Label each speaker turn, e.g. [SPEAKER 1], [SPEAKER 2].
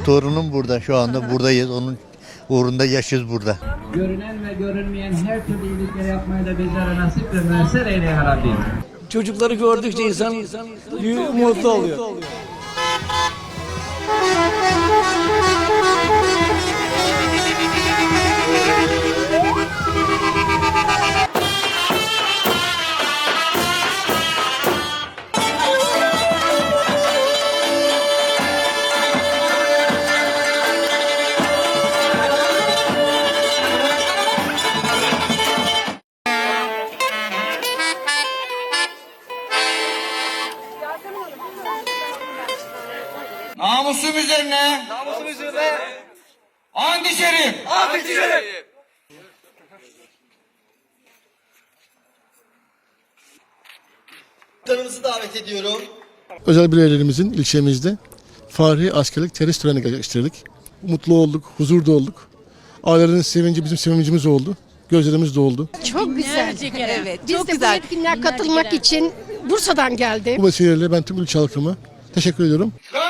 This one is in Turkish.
[SPEAKER 1] Torunum burada, şu anda buradayız. Onun uğrunda yaşıyoruz burada.
[SPEAKER 2] Görünen ve görünmeyen her türlü iyilikleri yapmayı da bizlere nasip ve müessir eyle ya Rabbi.
[SPEAKER 3] Çocukları gördükçe insan mutlu oluyor.
[SPEAKER 4] Namusum üzerine. Namusum üzerine. And içerim. And içerim.
[SPEAKER 5] Tanımızı davet ediyorum.
[SPEAKER 6] Özel bireylerimizin ilçemizde Fahri Askerlik Terhis töreni gerçekleştirdik. Mutlu olduk, huzurda olduk. Ailelerin sevinci bizim sevincimiz oldu. Gözlerimiz doldu.
[SPEAKER 7] Çok güzel.
[SPEAKER 8] Evet,
[SPEAKER 7] Biz
[SPEAKER 8] çok
[SPEAKER 7] de
[SPEAKER 8] güzel.
[SPEAKER 7] bu etkinliğe katılmak için Bursa'dan geldim.
[SPEAKER 6] Bu vesileyle ben tüm ülke halkıma teşekkür ediyorum.